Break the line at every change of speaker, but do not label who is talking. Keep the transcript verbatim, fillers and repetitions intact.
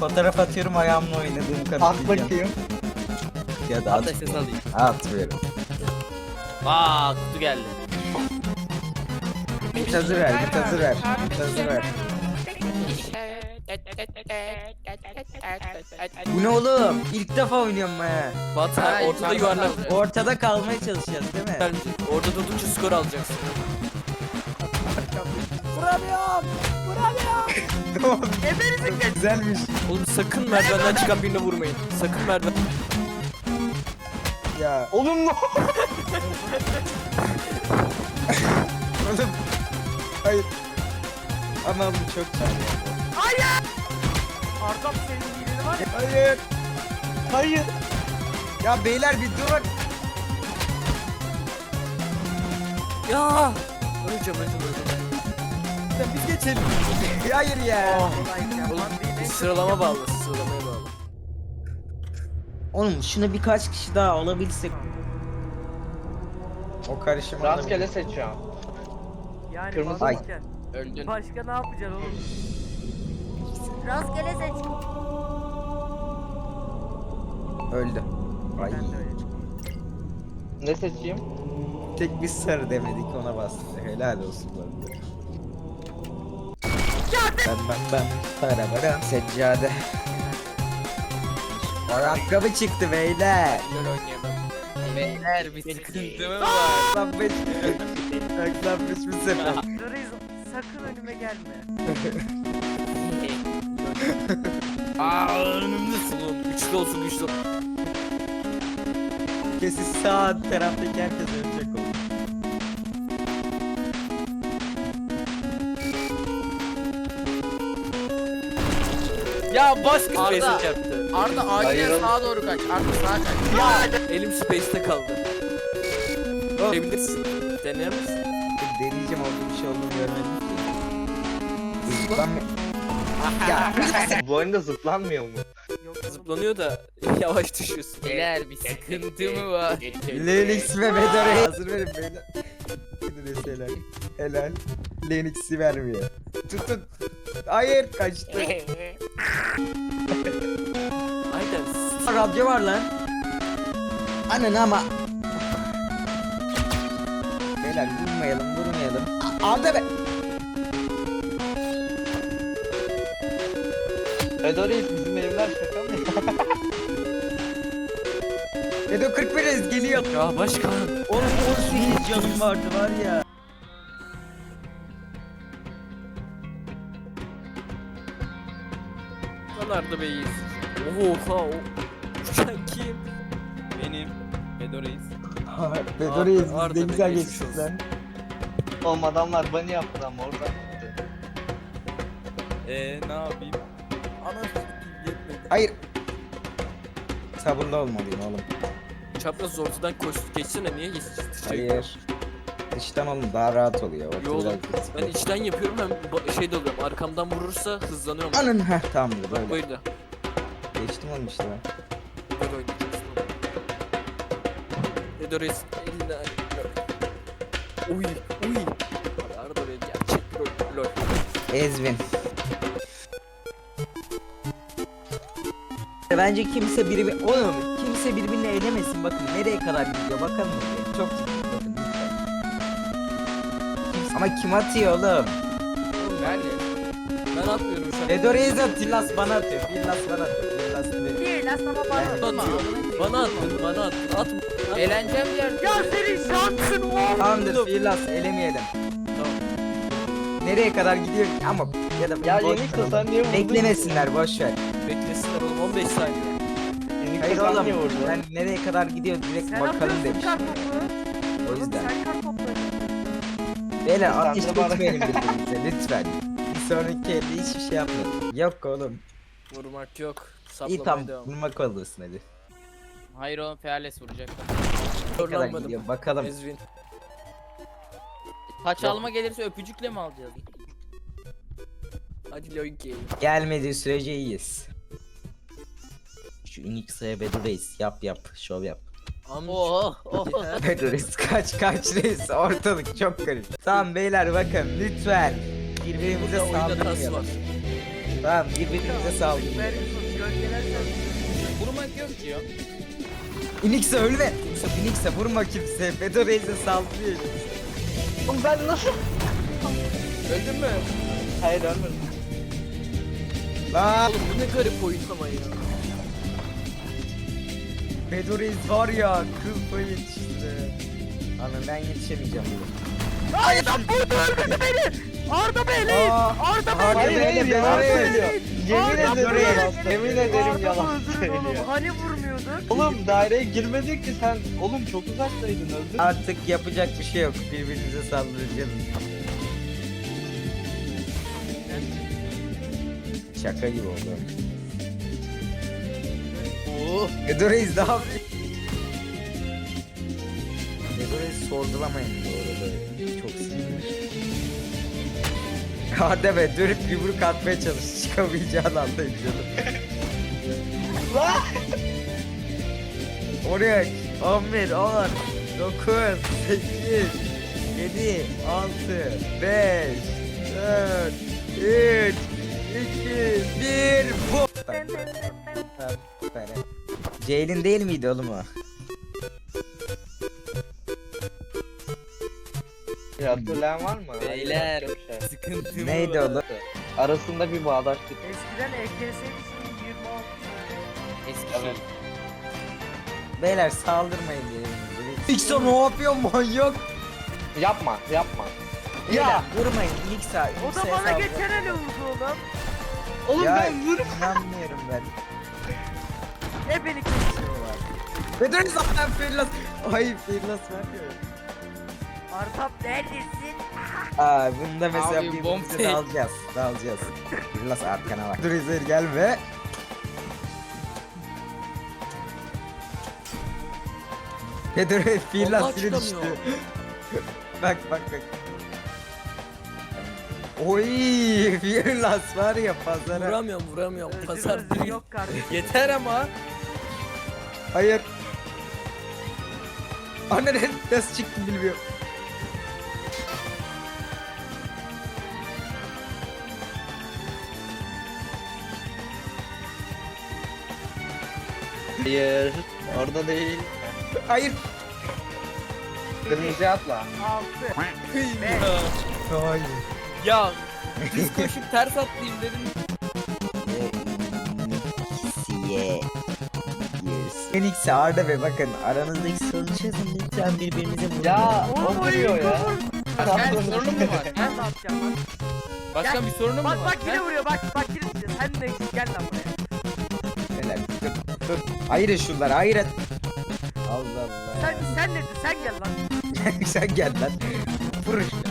fotoğraf atıyorum ayağımla oynadığım kadar.
At bakayım.
Ya da
At da
at.
ses alayım.
Atmıyorum.
Aa kutu geldi.
Git hazır ver, git hazır ver. Git hazır ver. Bu ne oğlum? İlk defa oynuyorum he.
Batu
Ha,
ortada
ilk
yuvarlak.
defa. Ortada kalmaya çalışacağız değil mi?
Gelmeyecek. Orada durdukça skor alacaksın.
Güzelmiş.
Oğlum sakın merdivenden çıkan birine vurmayın. Sakın merdiven.
Ya
Oğlum ne?
oğlum. Hayır. Ama bu çok güzel.
Ardam senin iyiliğini var ya.
Hayır.
Hayır.
Ya beyler bir durun.
Ya. Öleceğim öleceğim öleceğim. Sen biz geçelim.
Hayır ya.
Oğlum sıralama bağlı. Sıralamaya bağlı.
Oğlum şunu birkaç kişi daha alabilsek. O karışım
Rastgele seçiyorum.
Yani
Kırmızı-
Ay.
basarken
Öldün.
başka ne yapacaksın oğlum?
Rastgele seç.
öldü. Ay.
Ben de öyle.
Ne seçeyim?
Tek bir sarı demedik ona bastık. Helal olsun bu arada. Ben ben ben para para seccade. Ayakkabı çıktı beyler.
Gel oynayalım. Beyler bir sıkıntı mı var?
Saklanmış. Saklanmış bir sefer.
Doriz sakın önüme gelme.
Aa önümdesin oğlum. Güçlü olsun güçlü olsun.
Kesin sağ taraftaki herkes ölecek oldu.
Ya baş kız
Arda.
Face'e çarptı.
Arda acilen
Hayır.
sağa doğru kaç. Arda sağa kaç.
Elim Space'te kaldı. Görebilirsin. Dener misin?
Deneyeceğim oldu bir şey olduğunu görmedim ki. Zıplanma. Ya
Bu oyunda zıplanmıyor mu?
Yok
Zıplanıyor da yavaş düşüyorsun.
Beyler bir sıkıntı mı var?
Lenix ve Bedora'yı hazır verin beyler. Gidiniz helal. Helal. Lenix'i vermiyor. Tutun. Hayır kaçtı.
Aynen.
Radyo var lan. Ananı ama. Beyler vurmayalım vurmayalım. A- Arda be.
Edoreis bizim evler şaka mı?
Edo kırk bir geliyor.
Ya başkan.
Oğlum on sekiz canım vardı var ya.
Buralarda beyiz. Oha o. Uçan kim?
Benim. Bedoreis.
Bedora'yı
Arda- Arda
ne
be,
güzel
geçmiş
geçtik
olsun.
lan.
Oğlum adamlar bunny yaptı ama oradan gitti.
Eee ne yapayım?
Ana yetmedi.
Hayır. Sabırlı olmalıyım oğlum.
Çapraz ortadan koş. Geçsene niye geçsin?
Hayır. Dıştan oğlum daha rahat oluyor. Ortada
Yo oğlum.
biraz-
Ben içten yapıyorum hem ba- şey de oluyorum. Arkamdan vurursa hızlanıyorum.
Anın heh tamamdır böyle.
Böyle.
Geçtim oğlum işte ben.
Böyle oynayacaksın. Edores eline. Uy uy. Arada böyle gerçek lol lol.
Ezvin. Bence kimse birbirini... Oğlum kimse birbirini elemesin bakın nereye kadar gidiyor bakalım. Çok bakın. Kimse- Ama kim atıyor oğlum?
Ben ben atmıyorum şu an.
Edorez atıyor. Tillas bana atıyor. Tillas bana atıyor. Tillas bana.
Değil aslında bana.
Atıyor. Bana attın, bana attın. Atma. Atma.
Eğleneceğim yer.
Ya senin şansın oğlum.
Tamamdır Tillas elemeyelim.
Tamam.
Nereye kadar gidiyor ama ya da
Ya
boş
Yenix
ver.
de sen niye vurdun?
Beklemesinler boş ver.
Beklesinler oğlum on beş saniye.
Yenix de
Hayır
sen
oğlum
niye vurdun?
ben nereye kadar gidiyor direkt
Sen
bakalım
atıyorsun
demiş.
kar topu.
O
Oğlum
yüzden.
sen kar topları.
Beyler
Sen
ateş
de bana-
etmeyin birbirinize lütfen. Bir sonraki elde hiçbir şey yapmayın. Yok oğlum.
Vurmak yok.
İyi
Saplamaya
tamam
devam.
vurmak olursun hadi.
Hayır oğlum Fearless vuracak.
Ne kadar
Zorlanmadım.
gidiyor bakalım.
Ezvin.
Taç alma gelirse öpücükle mi alacağız?
Hadi Loiki.
Gelmediği sürece iyiyiz. Şu Unix'e Bedurreis yap yap şov yap.
Amca.
Oh oh.
Bedurreis kaç kaç reis ortalık çok karışık. Tamam beyler bakın lütfen birbirimize
Burada oyunda tas var.
saldırmayalım. Tamam birbirimize saldırın.
Ferguson gölgelersen
Vurmak yok diyor.
Inix'e ölme. Yusuf Inix'e vurma kimse. Bedo Reis'e saldırıyor.
Oğlum ben nasıl?
Öldün mü?
Hayır ölmedim.
Lan
Oğlum bu ne garip oyun ama ya.
Bedo Reis var ya kıl payı yetişti. Ana ben yetişemeyeceğim.
Hayır lan burada öldürdü beni. Arda Bey leyin.
Aa,
Arda Bey
Arda
Hayır
Bey,
hayır
Bedo
yalan
Reis.
söylüyor. Yemin
Arda
ederim
Bey.
yalan söylüyor. Yemin ederim
Arda
yalan
öldürün
söylüyor.
oğlum. Hani vurmuyorduk?
Oğlum daireye girmedik ki sen. Oğlum çok uzaktaydın öldün.
Artık yapacak bir şey yok. Birbirimize saldıracağız. Şaka gibi oldu.
Oo.
Bedo Reis ne yapıyor? Bedo Reis sorgulamayın bu arada. Çok sinirli. Hadi be dönüp yumruk atmaya çalış. Çıkamayacağını anlayın canım.
Lan!
on üç, on bir, on, dokuz, sekiz, yedi, altı, beş, dört, üç, iki, bir, bu. Ceylin değil miydi oğlum o?
Ya hatırlayan var mı?
Beyler.
Yok bir şey.
Sıkıntı
Neydi oğlum?
Arasında bir bağdaşlık.
Eskiden E K S için yirmi altı.
Eski şey.
Evet.
Beyler saldırmayın diyelim. Nixon ne yapıyor manyak?
Yapma yapma.
Ya
Ya!
vurmayın Nixon.
O da bana geçen ele vurdu oğlum.
Oğlum
Ya
ben vur.
inanmıyorum ben.
Ne beni kesiyorlar.
Bedeniz zaten Firlas. Ay Firlas vermiyor.
Arda neredesin?
Aa bunda mesela
Abi, bomb
birbirimize
tek.
dalacağız. Dalacağız. Firlas arkana bak. Dur İzir gelme. Bedur Firlas
Allah
biri düştü.
çıkamıyor.
Bak bak bak. Oy Firlas var ya pazara.
Vuramıyorum vuramıyorum.
Özür
Pazar
özür
değil.
yok kardeşim.
Yeter ama.
Hayır. Anne nasıl çıktı bilmiyorum.
Hayır. Orada değil.
Hayır.
Kırmızı atla.
Altı.
Hayır.
Ya düz koşup ters atlayayım dedim.
Siye. Phoenix Arda ve bakın aranızdaki sorunu çözün lütfen birbirinize vurun.
Ya
Oğlum
o
o
vuruyor ya.
Başka bir sorunun mu var?
Ben ne yapacağım lan?
Başka bir sorunun mu
Bak
var?
bak yine
Ha?
vuruyor bak bak yine vuruyor. Sen de gel lan buraya.
Neler? Dur, dur. Ayırın şunları ayırın. Allah Allah.
Sen sen nesin sen gel lan.
Sen gel lan. Vur şunu.